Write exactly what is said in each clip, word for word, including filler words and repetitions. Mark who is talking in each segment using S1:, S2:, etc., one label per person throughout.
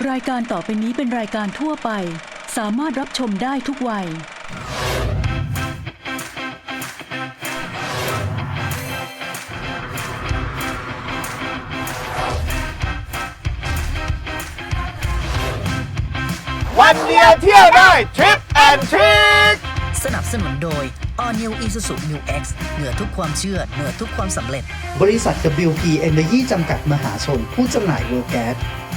S1: รายการต่อไปนี้เป็นรายการทั่วไปสามารถรับชมได้ทุกวัย
S2: วันเดียวเที่ยวได้ทริปแอนด์ทริค
S3: สนับสนุนโดย All New Isuzu Mu X เหนือทุกความเชื่อเหนือทุกความสำเร็จ
S4: บริษัท ดับเบิลยู พี Energy จำกัดมหาชนผู้จำหน่าย World Gas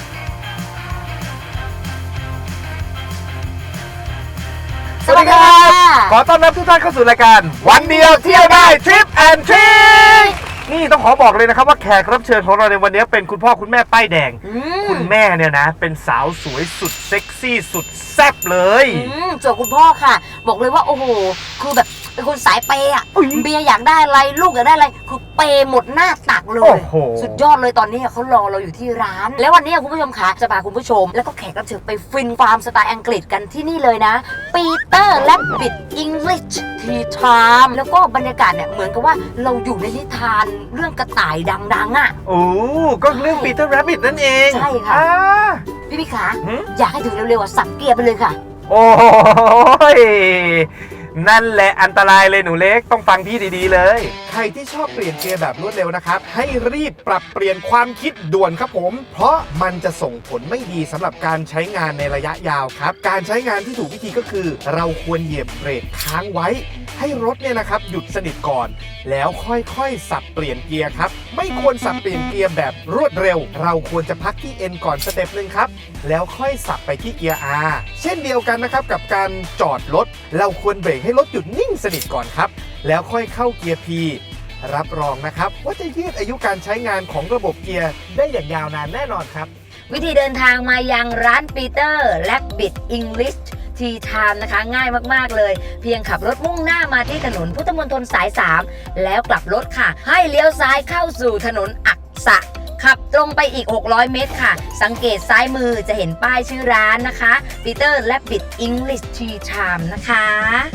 S2: สวัสดีครับขอต้อนรับทุกท่านเข้าสู่รายการวันเดียวเที่ยวได้ทริปแอนด์ทริคนี่ต้องขอบอกเลยนะครับว่าแขกรับเชิญของเราในวันนี้เป็นคุณพ่อคุณแม่ป้ายแดงคุณแม่เนี่ยนะเป็นสาวสวยสุดเซ็กซี่สุดแซ่บเลย
S5: ส่วนคุณพ่อค่ะบอกเลยว่าโอ้โหคือแบบเป็นคนสายเปย์อ่ะเบียร์อยากได้อะไรลูกอยากได้อะไรคือเปย์หมดหน้าตักเลยสุดยอดเลยตอนนี้เขารอเราอยู่ที่ร้านแล้ววันนี้คุณผู้ชมคะจะพาคุณผู้ชมแล้วก็แขกรับเชิญไปฟินฟาร์มสไตล์อังกฤษกันที่นี่เลยนะปีเตอร์และบิดอังกฤษทีไทม์แล้วก็บรรยากาศเนี่ยเหมือนกับว่าเราอยู่ในนิทานเรื่องกระต่ายดังๆอ่ะ
S2: โอ้ก็เรื่องปีเตอร์แรบบิทนั่นเอง
S5: ใช่ค่ะพี่พี่ขาอยากให้ถึงเร็วๆอ่ะสับเกียร์ไปเลยค่ะ
S2: โอ้ยนั่นแหละอันตรายเลยหนูเล็กต้องฟังพี่ดีๆเลยใครที่ชอบเปลี่ยนเกียร์แบบรวดเร็วนะครับให้รีบปรับเปลี่ยนความคิดด่วนครับผมเพราะมันจะส่งผลไม่ดีสำหรับการใช้งานในระยะยาวครับการใช้งานที่ถูกวิธีก็คือเราควรเหยียบเบรกค้างไว้ให้รถเนี่ยนะครับหยุดสนิทก่อนแล้วค่อยๆสับเปลี่ยนเกียร์ครับไม่ควรสับเปลี่ยนเกียร์แบบรวดเร็วเราควรจะพักที่ N ก่อนสเต็ปนึงครับแล้วค่อยสับไปที่เกียร์ R เช่นเดียวกันนะครับกับการจอดรถเราควรเบรกให้รถหยุดนิ่งสนิทก่อนครับแล้วค่อยเข้าเกียร์ P รับรองนะครับว่าจะยืดอายุการใช้งานของระบบเกียร์ได้อย่างยาวนานแน่นอนครับ
S5: วิธีเดินทางมายังร้านปีเตอร์และบิดอังกฤษทีไทม์นะคะง่ายมากๆเลยเพียงขับรถมุ่งหน้ามาที่ถนนพุทธมณฑลสายสามแล้วกลับรถค่ะให้เลี้ยวซ้ายเข้าสู่ถนนอักษะขับตรงไปอีกหกร้อยเมตรค่ะสังเกตซ้ายมือจะเห็นป้ายชื่อร้านนะคะปีเตอร์และบิดอังกฤษทีไทม์นะคะ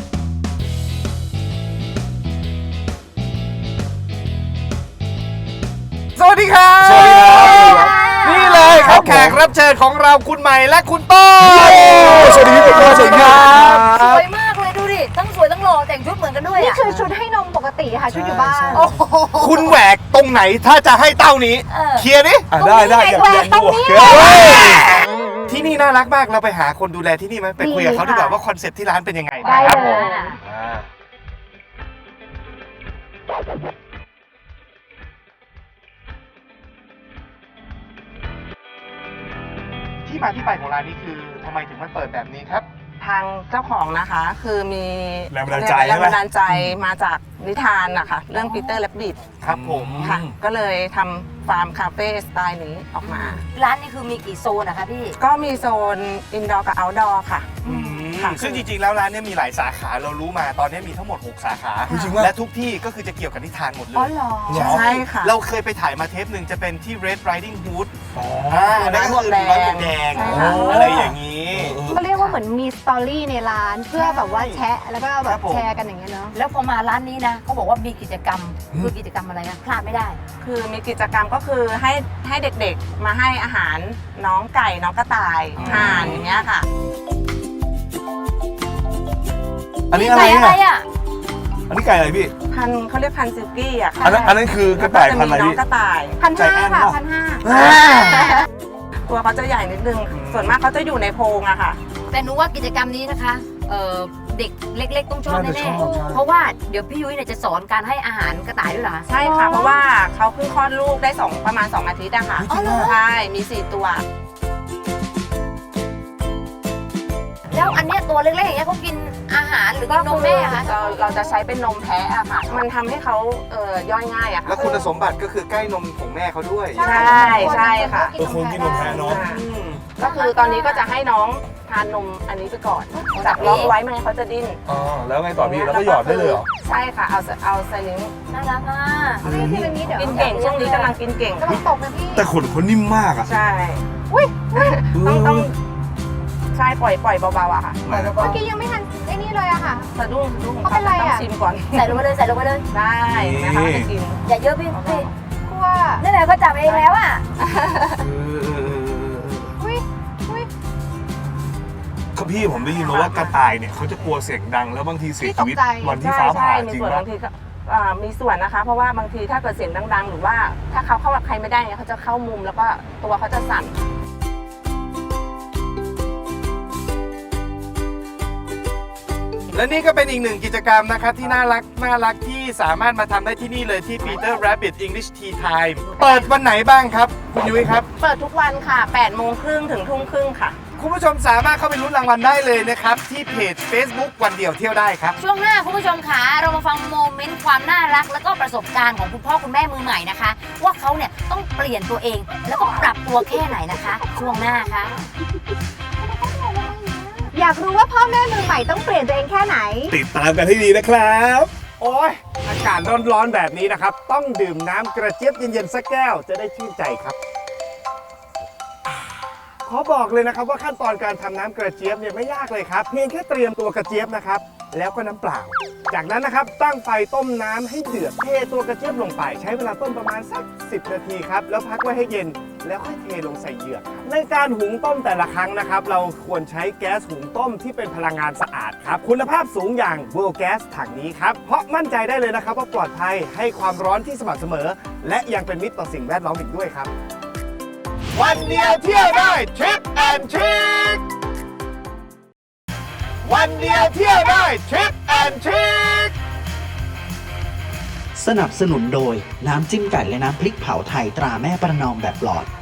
S2: สวัสดีครับสวัสดีครับนี่เลยครับแขกรับเชิญของเราคุณใหม่และคุณต้น
S6: สวัสดีครับสวัสดีครับ
S5: สวยมากเลยดูดิทั้งสวยทั้งหล่อแต่งชุดเหมือนกันด้วย
S6: นี่คือชุดให้นมปกติค่ะชุดอยู่บ้าน
S2: คุณแหวกตรงไหนถ้าจะให้เต้านี้เคลียร์ดิ
S6: ได้ได้อยากเรียนดู
S2: ที่นี่น่ารักมากเราไปหาคนดูแลที่นี่ไหมไปคุยกับเขาดีกว่าว่าคอนเซ็ปต์ที่ร้านเป็นยังไง
S6: ได้เลย
S2: ที่มาที่ไปของร้านนี้คือทำไมถึงมาเปิดแบบนี้ครับ
S7: ทางเจ้าของนะคะคือมี
S2: แรงบันดาลใจ
S7: แรงบันดาลใจมาจากนิทานนะคะเรื่องปีเตอร์และบิด
S2: ครับผม
S7: ค่ะก็เลยทำฟาร์มคาเฟ่สไตล์นี้ออกมา
S5: ร้านนี้คือมีกี่โซนนะคะพี่
S7: ก็มีโซนอินดอร์กับเอาท์ดอร์ค่ะ
S2: ซึ่งจริงๆแล้วร้านนี้มีหลายสาขาเรารู้มาตอนนี้มีทั้งหมดหกสาขาและทุกที่ก็คือจะเกี่ยวกับนิทานหมดเลย
S5: อ๋อเหรอ
S7: ใช่ค่ะ
S2: เราเคยไปถ่ายมาเทปหนึ่งจะเป็นที่ Red Riding Hood
S7: อ๋อ
S2: นั่นก็คือร้านหมวกแดงอะไรอย่างนี้
S6: ก็เรียกว่าเหมือนมีสตอรี่ในร้านเพื่อแบบว่าแชะแล้วก็แบบแชร์กันอย่างเงี้ยเนาะ
S5: แล้วพอมาร้านนี้นะเขาบอกว่ามีกิจกรรมคือกิจกรรมอะไรนะพลาดไม่ได้
S7: คือมีกิจกรรมก็คือให้ให้เด็กๆมาให้อาหารน้องไก่น้องกระต่ายห่านอย่างเงี้ยค่ะ
S2: อันนี้อะไรอ่ะอันนี้ไก่อะไรพี่
S7: พันเขาเรียกพันซิลกี้อ่ะ
S2: อันนั้นอันนั้นคือกระต่ายพันอะไรพี่
S7: น้องกระต่าย
S6: พันห้าค่ะพันห้า
S7: ตัวเขาจะใหญ่นิดนึงส่วนมากเขาจะอยู่ในโพรงอะค่ะ
S5: แต่หนูว่ากิจกรรมนี้นะคะเเด็กเล็กๆต้องชอบแน่ๆเพราะว่าเดี๋ยวพี่ยุ้ยเนี่ยจะสอนการให้อาหารกระต่ายด้วยเหรอ
S7: ใช่ค่ะเพราะว่าเขาเพิ่งคลอดลูกได้สองประมาณสองอาทิตย์อะค่ะใช่มีสี่ตัว
S5: แล้วอันเนี้ยตัวเล็กๆอย่างเงี้ยเขากินอาหารหรือกินนมแม่คะ
S7: เราเราจะใช้เป็นนมแพะอะค่ะมันทำให้เขาเอ่อย่อยง่ายอะค่ะ
S2: แล้วคุณสมบัติก็คือใกล้นมของแม่เขาด้วย
S7: ใช่ใช่ค่ะ
S2: ตัวคงกินนมแพะเนาะ
S7: ก็คือตอนนี้ก็จะให้น้องทานนมอันนี้ไปก่อนจับล็อกไว้ไม่งั้นเขาจะดิ้น
S2: อ๋อแล้วไงต่อพี่แล้วก็หยอดได้เลยเหรอ
S7: ใช่ค่ะเอาเอาไซลิง
S5: น่ารักมาก
S7: กินเก่งช่วงนี้กำลังกินเก่ง
S2: แต่ขนเขานิ่มมากอะ
S7: ใช่ต้องต้องใช่ปล่อยปล่อยเบาๆอะค่ะ
S6: เมื่อกี้ยังไม่ทันไอ้นี่เลยอะค่ะ
S7: สะดุ้งสะดุ้ง
S6: เขาเป็นไรอะ
S7: ต้องชิมก่อน
S5: ใส่ลงไปเลยใส่ลงไปเลย
S7: ได้นะคะจะกิน
S5: อย่าเยอะพี่พี่
S6: กลัว
S5: นั่นแหละเขาจับเองแล้วอะ
S6: อุ้ย
S8: พี่ผมได้ยินมาว่ากระต่ายเนี่ยเขาจะกลัวเสียงดังแล้วบางทีเสียชีวิต
S6: ที่ตกใจ
S8: วันที่
S7: ใช่
S8: ฟ้า
S7: ใช่
S8: ผ่า
S7: มี
S8: จริง
S7: ส่วน
S8: ปะ
S7: บางทีก็อ่ามีส่วนนะคะ เพราะว่าบางทีถ้าเกิดเสียงดัง ๆ หรือว่าถ้าเขาเข้ากับใครไม่ได้เนี่ยเขาจะเข้ามุมแล้วก็ตัวเขาจะสั่น
S2: และนี่ก็เป็นอีกหนึ่งกิจกรรมนะครับที่น่ารักน่ารักที่สามารถมาทำได้ที่นี่เลยที่ Peter Rabbit English Tea Time เปิดวันไหนบ้างครับ คุณยุ้ยครับ
S7: เปิดทุกวันค่ะแปดโมงครึ่งถึงทุ่มครึ่งค่ะ
S2: คุณผู้ชมสามารถเข้าไปลุ้นรางวัลได้เลยนะครับ ที่เพจ Facebook วันเดียวเที่ยวได้ครับ
S5: ช่วงหน้าคุณผู้ชมคะเรามาฟังโมเมนต์ความน่ารัก แล้วก็ประสบการณ์ของคุณพ่อคุณแม่มือใหม่นะคะ ว่าเขาเนี่ยต้องเปลี่ยนตัวเองแล้วก็ปรับตัวแค่ไหนนะคะ ช่วงหน้าค่ะ
S6: อยากรู้ว่าพ่อแม่มือใหม่ต้องเปลี่ยนตัวเองแค่ไหน
S8: ติดตามกันให้ดีนะครับ
S2: โอ้ยอากาศร้อนๆแบบนี้นะครับ ต้องดื่มน้ำกระเจี๊ยบเย็นๆสักแก้วจะได้ชื่นใจครับ ขอบอกเลยนะครับว่าขั้นตอนการทำน้ำกระเจี๊ยบเนี่ยไม่ยากเลยครับเพียงแค่เตรียมตัวกระเจี๊ยบนะครับแล้วก็น้ำเปล่า จากนั้นนะครับตั้งไฟต้มน้ำให้เดือดเทตัวกระเจี๊ยบลงไป ใช้เวลาต้มประมาณสักสิบนาทีครับแล้วพักไว้ให้เย็นแล้วค่อยเทลงใส่เหยือกครับในการหุงต้มแต่ละครั้งนะครับเราควรใช้แก๊สหุงต้มที่เป็นพลังงานสะอาดครับคุณภาพสูงอย่าง World Gas ถังนี้ครับเพราะมั่นใจได้เลยนะครับว่าปลอดภัยให้ความร้อนที่สม่ำเสมอ และยังเป็นมิตรต่อสิ่งแวดล้อมอีกด้วยครับวันเดียวเที่ยวได้ทริปแอนทริควันเดียวเที่ยวได้ทริปแอนทริค
S4: สนับสนุนโดยน้ำจิ้มไก่และน้ำพริกเผาไทยตราแม่ประนอมแบบหลอด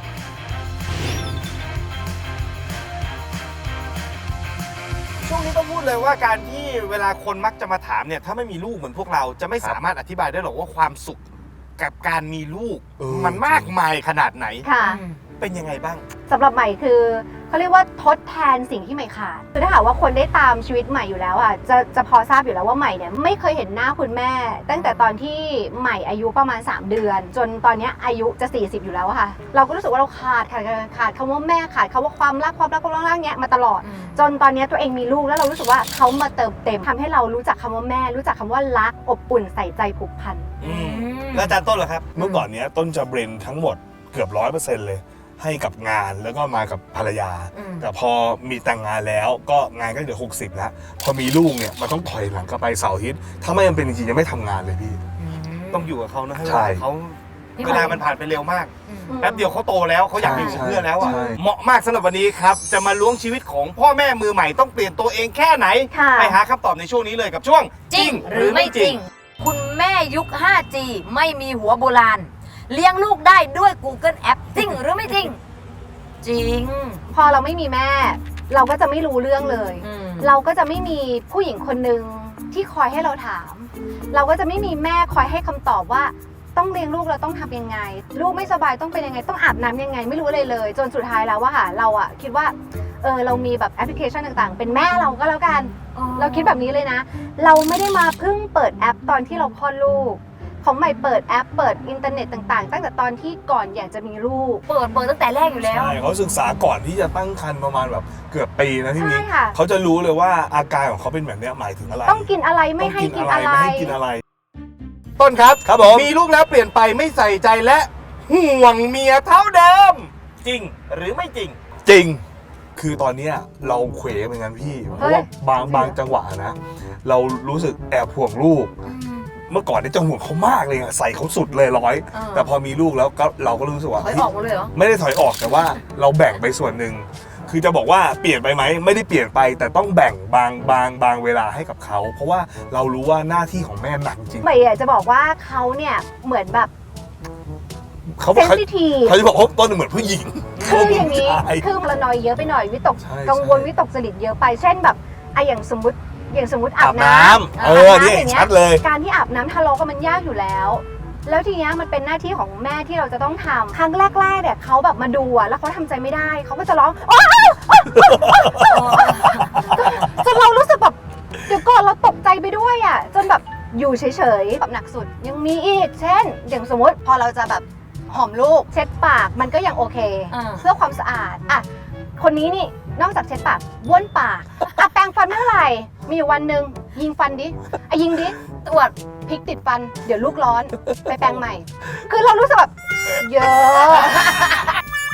S2: ช่วงนี้ต้องพูดเลยว่าการที่เวลาคนมักจะมาถามเนี่ยถ้าไม่มีลูกเหมือนพวกเราจะไม่สามารถอธิบายได้หรอกว่าความสุขกับการมีลูก
S8: เออ
S2: มันมากมายขนาดไหน
S6: ค่ะ
S2: เป็นยังไงบ้าง
S6: สำหรับใหม่คือเขาเรียกว่าทดแทนสิ่งที่ใหม่ขาดคือถ้าหากว่าคนได้ตามชีวิตใหม่อยู่แล้วอ่ะจะจะพอทราบอยู่แล้วว่าใหม่เนี่ยไม่เคยเห็นหน้าคุณแม่ ตั้งแต่ตอนที่ใหม่อายุประมาณสามเดือน จนตอนเนี้ยอายุจะสี่สิบอยู่แล้วอะค่ะ เราก็รู้สึกว่าเราขาดขาดขาดขาดคำว่าแม่ขาดคำว่าความรักความรักความรักเนี้ยมาตลอด จนตอนเนี้ยตัวเองมีลูกแล้วเรารู้สึกว่าเขามาเติมเต็มทำให้เรารู้จักคำว่าแม่ รู้จักคำว่ารักอบอุ่นใส่ใจผูกพัน
S2: อืมแล้วอาจารย์ต้นเหรอครับ
S8: เมื่อก่อนเนี้ยต้นจะเบรนทั้งหมดเกือบร้อยเปอร์เซ็นต์เลยให้กับงานแล้วก็มากับภรรยา
S5: อืม
S8: แต่พอมีแต่งงานแล้วก็งานก็เหลือหกสิบแล้วพอมีลูกเนี่ยมันต้องถอยหลังกลับไปเสาร์อาทิตย์ถ้าไม่จำเป็นจริงๆจะไม่ทำงานเลยพี่
S2: ต้องอยู่กับเขานะให้เว
S8: ใช่
S2: ลาเขาเวลามันผ่านไปเร็วมาก
S5: อืม
S2: แป๊บเดียวเขาโตแล้วเขาอยากอยู่กับ
S8: ใช่
S2: เพื่อนแล้วอ่ะ
S8: ใช่
S2: เหมาะมากสำหรับวันนี้ครับจะมาล้วงชีวิตของพ่อแม่มือใหม่ต้องเปลี่ยนตัวเองแค่ไหน
S6: ค่ะ
S2: ไปหาคำตอบในช่วงนี้เลยกับช่วง
S5: จริงหรือไม่จริง คุณแม่ยุค ไฟว์จี ไม่มีหัวโบราณ เลี้ยงลูกได้ด้วย Google App จริงหรือไม่จริง จริง
S6: พอเราไม่มีแม่ เราก็จะไม่รู้เรื่องเลย
S5: อืม
S6: เราก็จะไม่มีผู้หญิงคนหนึ่งที่คอยให้เราถาม เราก็จะไม่มีแม่คอยให้คำตอบว่าต้องเลี้ยงลูกเราต้องทำยังไง ลูกไม่สบายต้องเป็นยังไงต้องอาบน้ำยังไง ไม่รู้อะไรเลย จนสุดท้ายแล้วว่าค่ะเราอะคิดว่าเออเรามีแบบแอปพลิเคชันต่างๆ เป็นแม่เราก็แล้วกัน เราคิดแบบนี้เลยนะ เราไม่ได้มาเพิ่งเปิดแอปตอนที่เราคลอดลูก ของใหม่เปิดแอปเปิดอินเทอร์เน็ตต่างๆ ตั้งแต่ตอนที่ก่อนอยากจะมีลูก
S5: เปิดเปิดตั้งแต่แรกอยู่แล้ว
S8: ใช่เขาศึกษาก่อนที่จะตั้งครรภ์ประมาณแบบเกือบปีนะพี่
S6: ใช่
S8: มิ้ง
S6: ค่ะ
S8: เขาจะรู้เลยว่าอาการของเขาเป็นแบบเนี้ยหมายถึงอะไร
S6: ต้องกินอะไรไม่ให้กินอะไร
S8: ไม่ให้กินอะไร
S2: ต้นครับ
S8: ครับผม
S2: มีลูกแล้วเปลี่ยนไปไม่ใส่ใจและห่วงเมียเท่าเดิม จริงหรือไม่จริง
S8: จริง คือตอนเนี้ยเราเขวเหมือนกันพี่ เพราะว่าบางบางจังหวะนะ เรารู้สึกแอบห่วงลูก เมื่อก่อนเนี่ยจะห่วงเขามากเลยอะใส่เขาสุดเลยร้อย
S5: เออ
S8: แต่พอมีลูกแล้วก็เราก็รู้สึกว่า
S5: ถอยออกหมดเลยเหรอ
S8: ไม่ได้ถอยออกแต่ว่าเราแบ่งไปส่วนหนึ่ง คือจะบอกว่าเปลี่ยนไปไหมไม่ได้เปลี่ยนไปแต่ต้องแบ่งบางบางบางเวลาให้กับเขา เพราะว่าเรารู้ว่าหน้าที่ของแม่หนักจริง
S6: ใหม่อยากจะบอกว่าเขาเนี่ยเหมือนแบบ
S8: เขา
S6: เซน
S8: เขา
S6: ซิทีฟ
S8: เขาจะบอกว่าต้นเหมือนผู้หญิง
S6: คืออย่างนี้
S8: ใช่
S6: คือพลานอยเยอะไปหน่อยวิตก
S8: ใช่
S6: กังวล
S8: ใช่
S6: วิตกจริตเยอะไป เช่นแบบไอะอย่างสมมติอย่างสมมติอา
S8: อา
S6: บบ น้
S8: น้ำ
S6: ำ
S8: เออนี่
S6: าบำางงี้
S8: ชัดเลย
S6: การที่อาบน้ำทะเลาะกันมันยากอยู่แล้ว แล้วทีเนี้ยมันเป็นหน้าที่ของแม่ที่เราจะต้องทำครั้งแรกๆเนี่ยเขาแบบมาดูอะแล้วเขาทำใจไม่ได้เขาก็จะร้องโอ๊ยจนเรารู้สึกแบบเดี๋ยวก่อนเราตกใจไปด้วยอะจนแบบอยู่เฉยๆแบบหนักสุดยังมีอีก เช่น อย่างสมมติพอเราจะแบบหอมลูกเช็ดปากมันก็ยังโอเค
S5: อ่า
S6: เพื่อความสะอาดอ่ะคนนี้นี่นอกจากเช็ดปากบ้วนปากอ่ะแปรงฟันเมื่อไหร่มีอยู่วันหนึ่งยิงฟันดิอ่ะยิงดิตรวจพริกติดฟันเดี๋ยวลูกร้อนไปแปรงใหม่ คือเรารู้สึกแบบเยอะ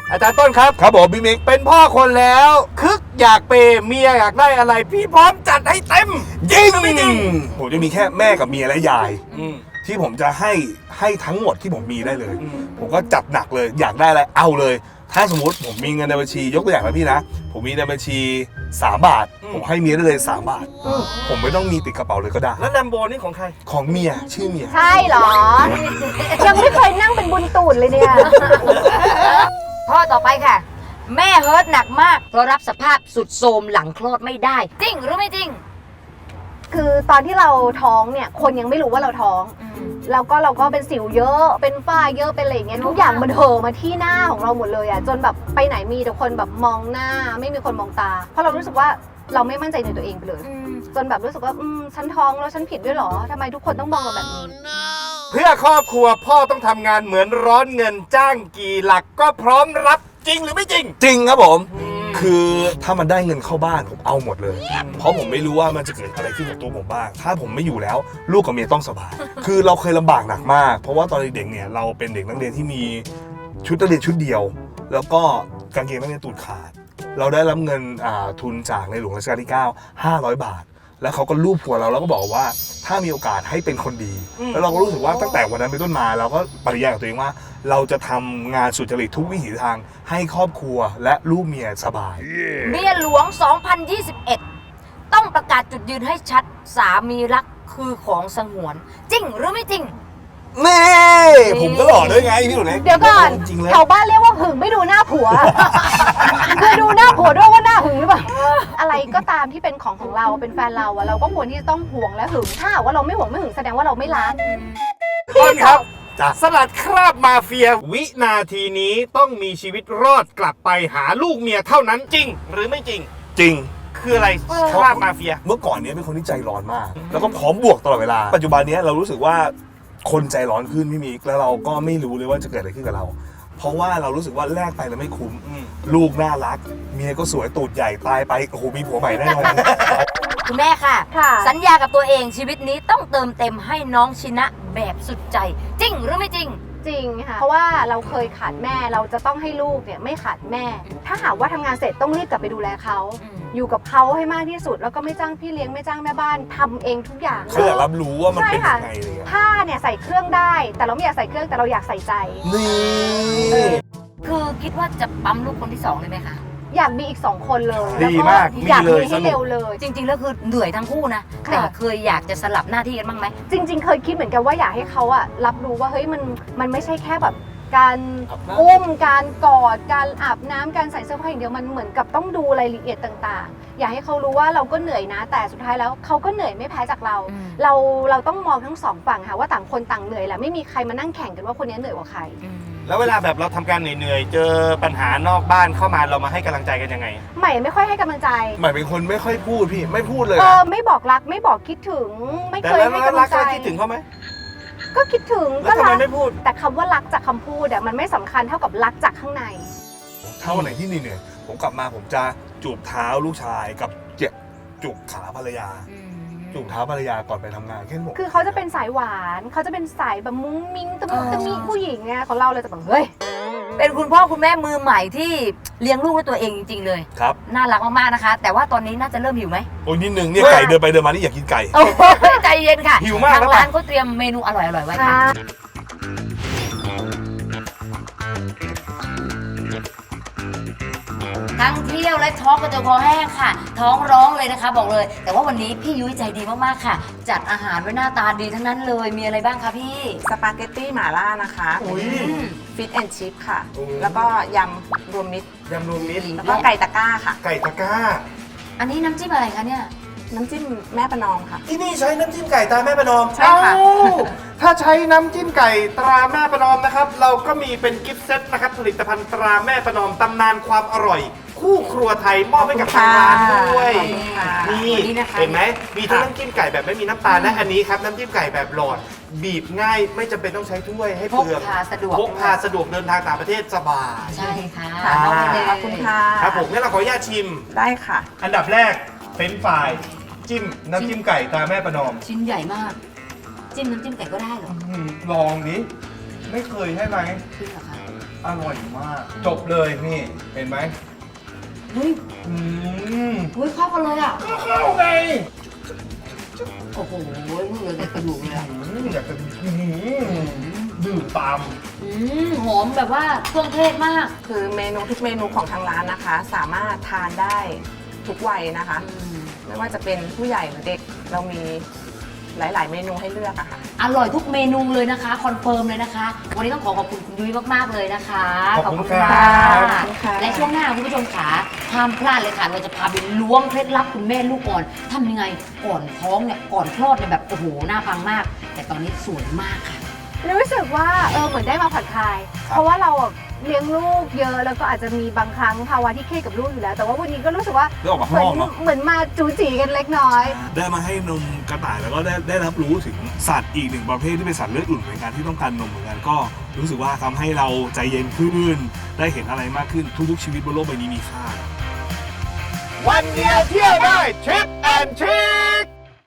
S2: อาจารย์ต้นครับ
S8: ครับผมพี่มิก
S2: เป็นพ่อคนแล้วคึกอยากเปย์เมียอยากได้อะไร พี่พร้อมจัดให้เต็ม
S8: ยิง
S2: ไม่จริง
S8: ผมจะมีแค่แม่กับเมียและยาย
S2: อืม
S8: ที่ผมจะให้ให้ทั้งหมดที่ผมมีได้เลย
S2: อืม
S8: ผมก็จัดหนักเลย อยากได้อะไรเอาเลย ถ้าสมมติผมมีเงินในบัญชียกตัวอย่างนะพี่นะ ผมมีในบัญชีสามบาท ผมให้เมียได้เลยสามบาท ผมไม่ต้องมีติดกระเป๋าเลยก็ได้
S2: แล้วแลมโบนี่ของใคร
S8: ของเมียชื่อเมีย
S6: ใช่เหรอ ยังไม่เคยนั่งเป็นบุญตูดเลยเนี่ย
S5: ข้อต่อไปค่ะ แม่เฮิร์ตหนักมากเพราะรับสภาพสุดโทรมหลังคลอดไม่ได้ จริงหรือไม่จริง
S6: คือตอนที่เราท้องเนี่ยคนยังไม่รู้ว่าเราท้องแล้วก็เราก็เป็นสิวเยอะเป็นฝ้าเยอะเป็นอะไรอย่างเงี้ยทุกอย่างมันเห่อะมาที่หน้าของเราหมดเลยอ่ะจนแบบไปไหนมีแต่คนแบบมองหน้า ไม่มีคนมองตา เพราะเรารู้สึกว่าเราไม่มั่นใจในตัวเองไปเลย จนแบบรู้สึกว่าอืมฉันท้องแล้วฉันผิดด้วยเหรอทำไมทุกคนต้องมองเราแบบนี้
S2: เพื่อครอบครัวพ่อต้องทำงานเหมือนร้อนเงินจ้างกี่หลักก็พร้อมรับจริงหรือไม่จริง
S8: จริงครับผม คือถ้ามันได้เงินเข้าบ้านผมเอาหมดเลย เพราะผมไม่รู้ว่ามันจะเกิดอะไรขึ้นกับตัวผมบ้าง ถ้าผมไม่อยู่แล้วลูกกับเมียต้องสบาย คือเราเคยลำบากหนักมาก เพราะว่าตอนเด็กๆเนี่ยเราเป็นเด็กนักเรียนที่มีชุดนักเรียนชุดเดียว แล้วก็กางเกงนักเรียนตูดขาด เราได้รับเงินอ่าทุนจากในหลวงรัชกาลที่เก้า ห้าร้อยบาท แล้วเขาก็ลูบหัวเราแล้วก็บอกว่าถ้ามีโอกาสให้เป็นคนดี แล้วเราก็รู้สึกว่าตั้งแต่วันนั้นเป็นต้นมาเราก็ปฏิญาณกับตัวเองว่า เราจะทำงานสุจริตทุกวิถีทางให้ครอบครัวและลูกเมียสบาย
S5: เมียหลวง สองพันยี่สิบเอ็ด ต้องประกาศจุดยืนให้ชัดสามีรักคือของสงวน จริงหรือไม่จริง
S8: นี่ผมก็หล่อด้วยไงพี่หนูเล็ก
S6: เดี๋ยวก่อน
S8: จริงๆเลย
S6: แถวบ้านเรียกว่าหึงไม่ดูหน้าผัว คือดูหน้าผัวด้วยว่าหน้าหึงหรือเปล่า อะไรก็ตามที่เป็นของของเราเป็นแฟนเราอะเราก็ควรที่จะต้องห่วงและหึงถ้าหากว่าเราไม่ห่วงไม่หึงแสดงว่าเราไม่รัก
S2: ต้นครับ
S8: จ้ะ
S2: สลัดคราบมาเฟีย วินาทีนี้ต้องมีชีวิตรอดกลับไปหาลูกเมียเท่านั้นจริง หรือไม่จริง
S8: จริง
S2: คืออะไรคราบมาเฟีย
S8: เมื่อก่อนเนี้ยเป็นคนที่ใจร้อนมาก แล้วก็พร้อมบวกตลอดเวลา ปัจจุบันเนี้ยเรารู้สึกว่าคนใจร้อนขึ้นพี่มิกแล้วเราก็ไม่รู้เลยว่าจะเกิดอะไรขึ้นกับเรา เพราะว่าเรารู้สึกว่าแลกไปแล้วไม่คุ้ม
S2: อืม
S8: ลูกน่ารัก เมียก็สวยตูดใหญ่ตายไปโอ้โหมีผัวใหม่แน่นอน
S5: คุณแม่ค่ะ
S6: ค่ะ
S5: สัญญากับตัวเองชีวิตนี้ต้องเติมเต็มให้น้องชินะแบบสุดใจ จริงหรือไม่จริง
S6: จริงค่ะ เพราะว่าเราเคยขาดแม่เราจะต้องให้ลูกเนี่ยไม่ขาดแม่ ถ้าหากว่าทำงานเสร็จต้องรีบกลับไปดูแลเขา
S5: อืม
S6: อยู่กับเขาให้มากที่สุด แล้วก็ไม่จ้างพี่เลี้ยงไม่จ้างแม่บ้านทำเองทุกอย่าง
S8: เขาอยากรับรู้ว่ามัน
S6: ใช่
S8: เป็น
S6: ค่ะ
S8: ยังไงอะไรเลย
S6: ผ้าเนี่ยใส่เครื่องได้ แต่เราไม่อยากใส่เครื่องแต่เราอยากใส่ใจ
S8: นี่
S5: คือคิดว่าจะปั๊มลูกคนที่สองเลยไหมคะ
S6: อยากมีอีกสองคนเลย
S2: ดี
S6: แล้ว
S2: มาก
S6: อยาก
S2: มีเลย
S6: มีให้
S2: สนุก
S6: เร็วเลย
S5: จริง ๆ แล้วคือเหนื่อยทั้งคู่นะ
S6: ค่ะ
S5: แต่เคยอยากจะสลับหน้าที่กันบ้างไหม
S6: จริง ๆ เคยคิดเหมือนกันว่าอยากให้เขาอะรับรู้ว่าเฮ้ยมันมันไม่ใช่แค่แบบการอุ้มการกอดการอาบน้ำการใส่เสื้อผ้าอย่างเดียวมันเหมือนกับต้องดูรายละเอียดต่างๆ อยากให้เขารู้ว่าเราก็เหนื่อยนะ แต่สุดท้ายแล้วเขาก็เหนื่อยไม่แพ้จากเรา
S5: อืม
S6: เราเราต้องมองทั้งสองฝั่งค่ะว่าต่างคนต่างเหนื่อยแหละไม่มีใครมานั่งแข่งกันว่าคนนี้เหนื่อยกว่าใคร
S2: แล้วเวลาแบบเราทำการเหนื่อยๆ เจอปัญหานอกบ้านเข้ามาเรามาให้กำลังใจกันยังไง
S6: ใหม่ไม่ค่อยให้กำลังใจ
S8: หมายเป็นคนไม่ค่อยพูดพี่ไม่พูดเลย
S6: เอ
S8: นะ
S6: อไม่บอกรักไม่บอกคิดถึง ไม่
S2: แต่
S6: เคย
S2: แล้ว
S6: ให้
S2: แล้ว
S6: กำลั
S2: รั
S6: ง
S2: ก
S6: ใจ
S2: แล้วคิดถึงเขาไหม
S6: ก็คิดถึง
S2: แล้ว
S6: ก็
S2: ทำไม
S6: รัก
S2: ไม่พูด
S6: แต่คำว่ารักจากคำพูดอะมันไม่สำคัญเท่ากับรักจากข้างใน
S8: เท่าไหนที่เหนื่อยๆผมกลับมาผมจะจูบเท้าลูกชายกับเจ็บจูบขาภรรยา จูบเท้าภรรยาก่อนไปทำงานแค่นั้นผม
S6: คือเขาจะเป็นสายหวาน เขาจะเป็นสายแบบมุ้งมิ้งตะมุตะมิผู้หญิงไงของเราเลยจะแบบเฮ้ย
S5: เป็นคุณพ่อคุณแม่มือใหม่ที่เลี้ยงลูกด้วยตัวเองจริง ๆ เลย
S8: ครับ
S5: น่ารักมากๆนะคะ แต่ว่าตอนนี้น่าจะเริ่มหิวไหม
S8: โอ้ยนิดนึงเนี่ยไก่เดินไปเดินมานี่อยากกินไก่
S5: โอ้ยใจเย็นค่ะ
S2: หิวมาก
S5: ทาง
S2: แล้ว
S5: ร้า
S2: ป่ะ
S5: นเขาเตรียมเมนูอร่อยๆไว้ค่ะ ทั้งเที่ยวและท้องกระจนคอแห้งค่ะ ท้องร้องเลยนะคะ บอกเลย แต่ว่าวันนี้พี่ยุ้ยใจดีมากๆค่ะ จัดอาหารไว้หน้าตาดีทั้งนั้นเลยมีอะไรบ้างคะพี่
S7: สปาเกตตี้หม่าล่านะคะ
S2: อุ้ย
S7: ฟิตแอนชิพค่ะ
S2: โอ้ย
S7: แล้วก็ยำรวมมิตร
S2: ยำรวมมิตร
S7: แล้วก็ไก่ตะกร้าค่ะ
S2: ไก่ตะกร้า
S5: อันนี้น้ำจิ้มอะไรคะเนี่ย
S7: น้ำจิ้มแม่ประนอมค่ะ
S2: ที่นี่ใช้น้ำจิ้มไก่ตราแม่ประนอม
S7: ใช่ค่ะ
S2: เอ้าถ้าใช้น้ำจิ้มไก่ตราแม่ประนอมนะครับ เราก็มีเป็นกิฟต์เซตนะครับ ผลิตภัณฑ์ตราแม่ประนอมตำนานความอร่อย คู่ครัวไทยมอบให้กับทางร้านด้วย
S7: ขอบคุณค่ะ
S2: นี่
S5: นี่นะคะ
S2: เห็นไหมมีทั้งน้ำจิ้มไก่แบบไม่มีน้ำตาลและอันนี้ครับน้ำจิ้มไก่แบบหลอด บีบง่ายไม่จำเป็นต้องใช้ถ้วยให้
S5: พก
S2: เปลือง
S5: พาสะดวก
S2: พกพาสะดวกเดินทางต่างประเทศสบาย
S5: ใช่ค่ะ
S7: ค่ะ
S5: เอาไปเลย
S7: ขอบคุณค่ะ
S2: ครับผมงั้นเราขออนุญาตชิม
S7: ได้ค่ะ
S2: อันดับแรกเฟรนช์ฟรายจิ้มน้ำจิ้มไก่ตราแม่ประนอม
S5: ชิ้นใหญ่มาก จิ้มน้ำจิ้มไก่ก็ได้เหรอ
S2: อืมลองดิไม่เคยใช่ไหม
S5: จริงเหรอคะ
S2: อร่อยมาก จบเลยนี่เห็นไหม
S5: เฮ้ย
S2: อืม
S5: เฮ้ยเข้ากันเลยอ่ะ
S2: ก็เข้าไง
S5: โอ้โหเหลือแต่กระดูกเลยอ่ะ
S2: อืมอยากจะอืมดื่มตาม
S5: อืมหอมแบบว่าเครื่องเทศมาก
S7: คือเมนูทุกเมนูของทางร้านนะคะ สามารถทานได้ทุกวัยนะคะ
S5: อืม
S7: ไม่ว่าจะเป็นผู้ใหญ่หรือเด็กเรามีหลาย ๆ เมนูให้เลือกอะค่ะ
S5: อร่อยทุกเมนูเลยนะคะคอนเฟิร์มเลยนะคะ วันนี้ต้องขอขอบคุณคุณยุ้ยมากๆเลยนะคะ
S2: ขอบคุณ
S5: ะ
S2: ครับ
S7: ขอบคุณค่ะ
S5: และช่วงหน้าคุณผู้ชมขาห้ามพลาดเลยค่ะเราจะพาไปล้วงเคล็ดลับคุณแม่ลูกอ่อนทำยังไงก่อนท้องเนี่ยก่อนคลอดเนี่ยแบบโอ้โหน่าฟังมาก แต่ตอนนี้สวยมากค่ะ
S6: รู้สึกว่าเออเหมือนได้มาผ่อนคลาย เพราะว่าเราอะเลี้ยงลูกเยอะแล้วก็อาจจะมีบางครั้งภาวะที่เครียดกับลูกอยู่แล้ว แต่ว่าวันนี้ก็รู้สึกว่า
S8: ได้ออกมา
S6: เห
S8: ข้าง
S6: มือน
S8: นอกเนาะ
S6: เหมือนมาจูจีกันเล็กน้อย
S8: ได้มาให้นมกระต่ายแล้วก็ได้ได้รับรู้ถึงสัตว์อีกหนึ่งประเภทที่เป็นสัตว์เลือดอุ่นเหมือนกันที่ต้องการนมเหมือนกันก็รู้สึกว่าทำให้เราใจเย็นขึ้น ได้เห็นอะไรมากขึ้นทุกๆชีวิตบนโลกใบนี้มีค่า
S2: วันเดียวเที่ยวได้ทริปแอนทริค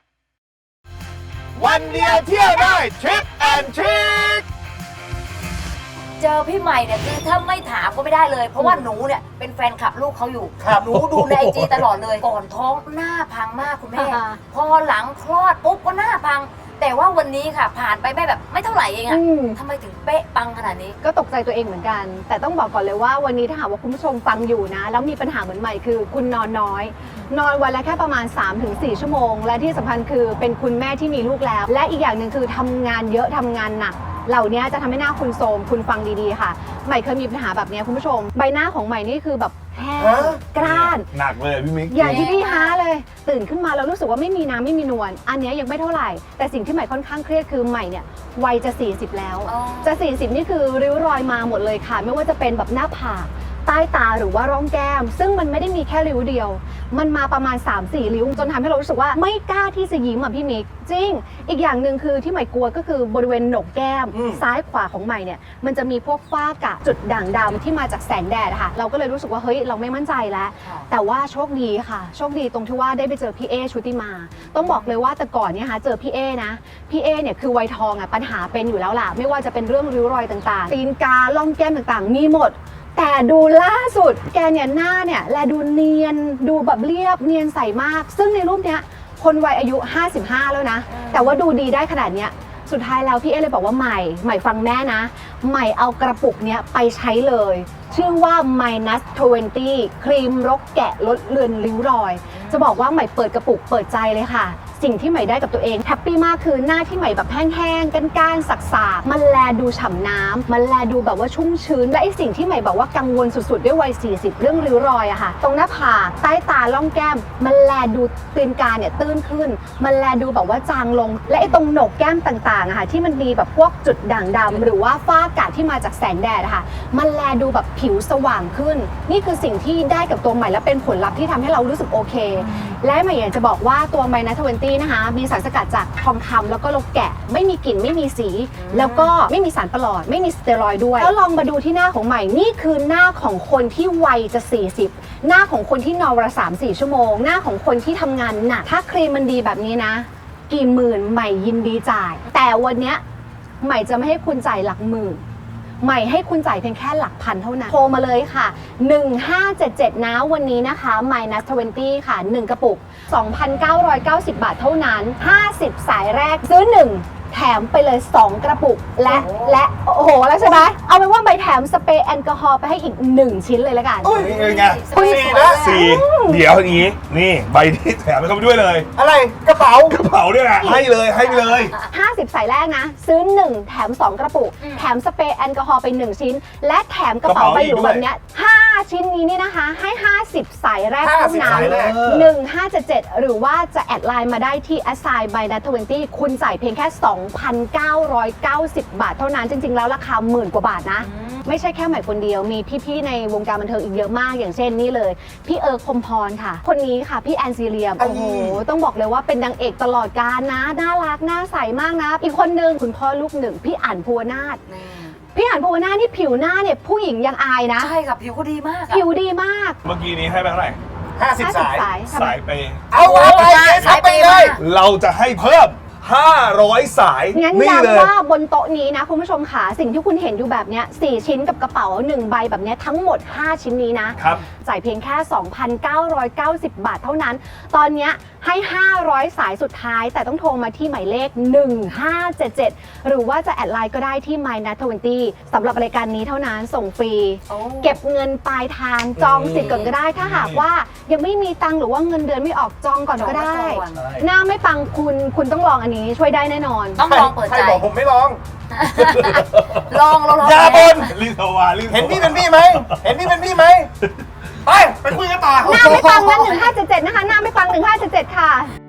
S2: วันเดียวเที่ยวได้ทริปแอนทริค
S5: เจอพี่ใหม่เนี่ยคือถ้าไม่ถามก็ไม่ได้เลย เพราะว่าหนูเนี่ยเป็นแฟนคลับลูกเขาอยู่
S2: ครับ
S5: หนูดูในไอจีตลอดเลย ก่อนท้องหน้าพังมากคุณแม่
S6: อ่า
S5: พอหลังคลอดปุ๊บก็หน้าพัง แต่ว่าวันนี้ค่ะ ผ่านไปไม่แบบไม่เท่าไหร่เองอะ
S6: อืม
S5: ทำไมถึงเป๊ะปังขนาดนี้
S6: ก็ตกใจตัวเองเหมือนกัน แต่ต้องบอกก่อนเลยว่าวันนี้ถ้าหากว่าคุณผู้ชมฟังอยู่นะ แล้วมีปัญหาเหมือนใหม่คือคุณนอนน้อย นอนวันละแค่ประมาณ สามถึงสี่ ชั่วโมง และที่สำคัญคือเป็นคุณแม่ที่มีลูกแล้ว และอีกอย่างหนึ่งคือทำงานเยอะทำงานหนัก เหล่านี้จะทำให้หน้าคุณโทรมคุณฟังดีๆค่ะ ใหม่เคยมีปัญหาแบบนี้คุณผู้ชม ใบหน้าของใหม่นี่คือแบบแห้ง
S2: ฮะ
S6: กร้าน
S8: หนักเลยพี่มิก
S6: อย่างที่พี่ฮาเลย ตื่นขึ้นมาแล้วรู้สึกว่าไม่มีน้ำไม่มีนวลอันเนี้ยยังไม่เท่าไหร่ แต่สิ่งที่ใหม่ค่อนข้างเครียดคือใหม่เนี่ยวัยจะ สี่สิบ แล้ว
S5: อ๋อ
S6: จะ สี่สิบ นี่คือริ้วรอยมาหมดเลยค่ะ ไม่ว่าจะเป็นแบบหน้าผากใต้ตาหรือว่าร่องแก้ม ซึ่งมันไม่ได้มีแค่ริ้วเดียว มันมาประมาณ สามสี่ ริ้ว จนทำให้เรารู้สึกว่าไม่กล้าที่จะยิ้มอ่ะพี่มิกจริง อีกอย่างหนึ่งคือที่ใหม่กลัวก็คือบริเวณโหนกแก้ม
S2: อืม
S6: ซ้ายขวาของใหม่เนี่ยมันจะมีพวกฝ้ากระจุดด่างดำที่มาจากแสงแดดอะค่ะเราก็เลยรู้สึกว่าเฮ้ยเราไม่มั่นใจแล้ว แต่ว่าโชคดีค่ะ โชคดีตรงที่ว่าได้ไปเจอพี่เอชุติมา ต้องบอกเลยว่าแต่ก่อนเนี่ยค่ะเจอพี่เอนะพี่เอเนี่ยคือวัยทองอ่ะปัญหาเป็นอยู่แล้วล่ะไม่ว่าจะเป็นเรื่องริ้วรอยต่างๆตีนกาล่องแก้มต่างๆ มีหมด แต่ดูล่าสุดแกเนี่ยหน้าเนี่ยแลดูเนียนดูแบบเรียบเนียนใสมาก ซึ่งในรูปเนี้ยคนวัยอายุห้าสิบห้าแล้วนะ แต่ว่าดูดีได้ขนาดเนี้ยสุดท้ายแล้วพี่เอเลยบอกว่าใหม่ใหม่ฟังแม่นะ ใหม่เอากระปุกเนี้ยไปใช้เลย ชื่อว่า minus ยี่สิบ ครีมรกแกะลดเลือนริ้วรอย จะบอกว่าใหม่เปิดกระปุกเปิดใจเลยค่ะ สิ่งที่ใหม่ได้กับตัวเองแฮปปี้มากคือหน้าที่ใหม่แบบแห้งๆก้านๆสักๆมันแลดูฉ่ำน้ำมันแลดูแบบว่าชุ่มชื้นและไอสิ่งที่ใหม่แบบว่ากังวลสุดๆด้วยวัยสี่สิบเรื่องริ้วรอยอะค่ะตรงหน้าผากใต้ตาล่องแก้มมันแลดูตีนกาเนี่ยตื้นขึ้น มันแลดูแบบว่าจางลง และไอตรงโหนกแก้มต่างๆอะค่ะที่มันมีแบบพวกจุดด่างดำหรือว่าฝ้ากระที่มาจากแสงแดดอะค่ะมันแลดูแบบผิวสว่างขึ้น นี่คือสิ่งที่ได้กับตัวใหม่และเป็นผลลัพธ์ที่ทำให้เรารู้สึกโอเค และใหม่อยากจะบอกว่าตัวไมนัสยี่สิบนะคะมีสารสกัดจากทองคำแล้วก็โลแกะไม่มีกลิ่นไม่มีสี แล้วก็ไม่มีสารประหลอดไม่มีสเตียรอยด์ด้วยแล้วลองมาดูที่หน้าของใหม่นี่คือหน้าของคนที่วัยจะสี่สิบหน้าของคนที่นอนวันละสามสี่ชั่วโมงหน้าของคนที่ทำงานหนักถ้าครีมมันดีแบบนี้นะ กี่หมื่นใหม่ยินดีจ่าย แต่วันเนี้ยใหม่จะไม่ให้คุณจ่ายหลักหมื่นใหม่ให้คุณจ่ายเพียงแค่หลักพันเท่านั้นโทรมาเลยค่ะหนึ่งห้าเจ็ดเจ็ดนะวันนี้นะคะ minus ยี่สิบค่ะหนึ่งกระปุก สองพันเก้าร้อยเก้าสิบ บาทเท่านั้นห้าสิบสายแรกซื้อหนึ่งแถมไปเลยสองกระปุกและและโอ้โหแล้วใช่ไหมเอาเป็นว่าใบแถมสเปรย์แอลกอฮอล์ไปให้อีกหนึ่งชิ้นเลยละกัน
S2: อุ้ย
S8: นี่ไง
S2: สี่นะ
S8: สี่เดี๋ยวอย่างนี้นี่ใบที่แถมไปเข้าไปด้วยเลย
S2: อะไรกระเป๋าก
S8: ระเป๋าเนี่ยนะให้เลยให้เลย
S6: ห้าสิบสายแรกนะ ซื้อหนึ่งแถมสองกระปุก แถมสเปรย์แอลกอฮอล์ไปหนึ่งชิ้น และแถมกระเป๋าใบหรูแบบเนี้ยห้าชิ้นนี้นี่นะคะ ให้ห้าสิบสายแรกเท่านั้น
S2: ห้าสิบสายแรก
S6: หนึ่งห้าเจ็ดเจ็ดหรือว่าจะแอดไลน์มาได้ที่ assign by nat ยี่สิบคุณจ่ายเพียงแค่ สองพันเก้าร้อยเก้าสิบ บาทเท่านั้นจริงๆแล้วราคาหมื่นกว่าบาทนะ ไม่ใช่แค่ใหม่คนเดียวมีพี่ๆในวงการบันเทิงอีกเยอะมากอย่างเช่นนี่เลย พี่เอิร์กพรหมพรค่ะ คนนี้ค่ะพี่แอนซีเรียมโอ้โหต้องบอกเลยว่าเป็นนางเอกตลอดกาลนะน่ารักน่าใสมากนะ อีกคนนึงคุณพ่อลูกหนึ่งพี่อั๋นภูวนาถพี่อั๋นภูวนาถนี่ผิวหน้าเนี่ยผู้หญิงยังอายนะ
S5: ใช่ค่ะผิวก็ดีมากอะ
S6: ผิวดีมาก
S8: เมื่อกี้นี้ให้ไปเท่าไหร่
S2: ห้าสิบสาย
S6: สาย
S8: สายไป
S2: เอาว่าไปเจ๊สับไปเลย
S8: เราจะให้เพิ่มห้าร้อยสาย
S6: งั้น
S8: นี่เลย
S6: ย้ำว่าบนโต๊ะนี้นะคุณผู้ชมค่ะสิ่งที่คุณเห็นอยู่แบบเนี้ยสี่ชิ้นกับกระเป๋าหนึ่งใบแบบเนี้ยทั้งหมดห้าชิ้นนี้นะครับ จ่ายเพียงแค่ สองพันเก้าร้อยเก้าสิบ บาทเท่านั้น ตอนเนี้ยให้ห้าร้อยสายสุดท้ายแต่ต้องโทรมาที่หมายเลขหนึ่งห้าเจ็ดเจ็ดหรือว่าจะแอดไลน์ก็ได้ที่ มายนัท ยี่สิบ สำหรับรายการนี้เท่านั้นส่งฟรี
S5: โอ้
S6: เก็บเงินปลายทางจองสิทธิ์ก่อนก็ได้ ถ้าหากว่ายังไม่มีตังค์หรือว่าเงินเดือนไม่ออกจองก่อนก็ได้
S5: จองก่อน
S6: หน้าไม่ปังคุณคุณต้องลองอันนี้ช่วยได้แน่นอน
S5: ต้องลองเปิด
S2: ใคร
S5: ใจ
S2: บอกผมไม่ลอง
S5: ลองลองลอง
S2: อย่าบน
S8: รีบโทรมารีบโทรมา
S2: เห็นพี่เป็นพี่ไหม เห็นพี่เป็นพี่ไหม ไป ไปคุยกันต่อ
S6: หน้าไม่ปังงั้นหนึ่งห้าเจ็ดเจ็ดนะคะ หน้าไม่ปังหนึ่งห้าเจ็ดเจ็ดค่ะ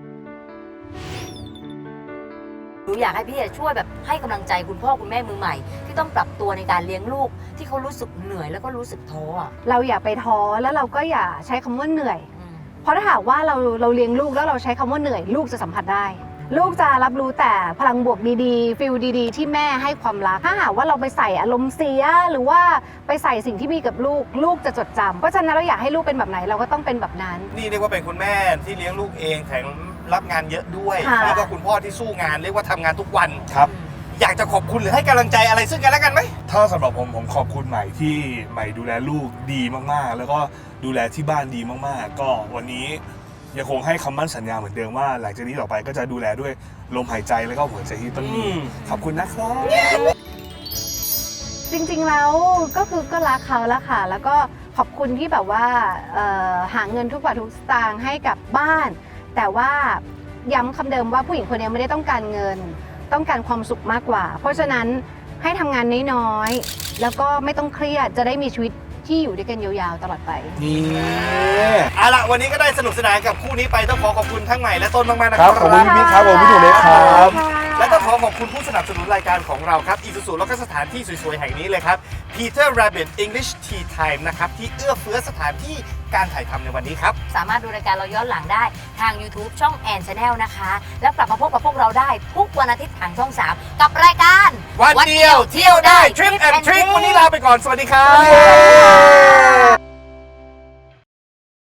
S5: หนูอยากให้พี่ช่วยแบบให้กำลังใจคุณพ่อคุณแม่มือใหม่ ที่ต้องปรับตัวในการเลี้ยงลูกที่เขารู้สึกเหนื่อยแล้วก็รู้สึกท้ออ่ะ
S6: เราอย่าไปท้อแล้วเราก็อย่าใช้คำว่าเหนื่อย
S5: อืม
S6: เพราะถ้าหากว่าเราเราเลี้ยงลูกแล้วเราใช้คำว่าเหนื่อย ลูกจะสัมผัสได้ ลูกจะรับรู้แต่พลังบวกดีๆฟิลดีๆ ที่แม่ให้ความรักถ้าหากว่าเราไปใส่อารมณ์เสียหรือว่าไปใส่สิ่งที่มีกับลูกลูกจะจดจำเพราะฉะนั้นเราอยากให้ลูกเป็นแบบไหนเราก็ต้องเป็นแบบนั้น
S2: นี่เรียกว่าเป็นคุณแม่ที่เลี้ยงลูกเองแถมรับงานเยอะด้วย
S6: ค่ะ
S2: แล้วก็คุณพ่อที่สู้งานเรียกว่าทำงานทุกวัน
S8: ครับ
S2: อยากจะขอบคุณหรือให้กำลังใจอะไรซึ่งกันและกันไหม
S8: ถ้าสำหรับผมผมขอบคุณใหม่ที่ใหม่ดูแลลูกดีมากๆ แล้วก็ดูแลที่บ้านดีมากๆ ก็วันนี้ยังคงให้คำมั่นสัญญาเหมือนเดิมว่าหลังจากนี้ต่อไปก็จะดูแลด้วยลมหายใจแล้วก็หัวใจที่ต้องมี
S2: อืม
S8: ขอบคุณนะครับ
S6: จริงๆแล้วก็คือก็รักเขาแล้วค่ะ แล้วก็ขอบคุณที่แบบว่าเอ่อหาเงินทุกบาททุกสตางค์ให้กับบ้าน แต่ว่าย้ำคำเดิมว่าผู้หญิงคนนี้ไม่ได้ต้องการเงิน ต้องการความสุขมากกว่า เพราะฉะนั้นให้ทำงานน้อยๆแล้วก็ไม่ต้องเครียดจะได้มีชีวิตที่อยู่ด้วยกันยาวๆตลอดไป
S2: นี่เอาละวันนี้ก็ได้สนุกสนานกับคู่นี้ไปต้องขอขอบคุณทั้งใหม่และต้นมากๆนะ
S8: ค
S2: ค
S8: รั
S2: รั
S8: บบ ขอบคุณพี่ครับผมพี่หนูเล็กครับ
S2: และต้องขอขอบคุณผู้สนับสนุนรายการของเราครับ Isuzu แล้วก็สถานที่สวยๆ แห่งนี้เลยครับ Peter Rabbit English Tea Time นะครับ ที่เอื้อเฟื้อสถานที่การถ่ายทำในวันนี้ครับ
S5: สามารถดูรายการเราย้อนหลังได้ทาง YouTube ช่องแอนชาแนลนะคะ แล้วกลับมาพบกับพวกเราได้ทุกวันอาทิตย์ทางช่อง สาม กับรายการ
S2: วันเดียวเที่ยวได้ Trip and Trick วันนี้ลาไปก่อน สวัสดีครับ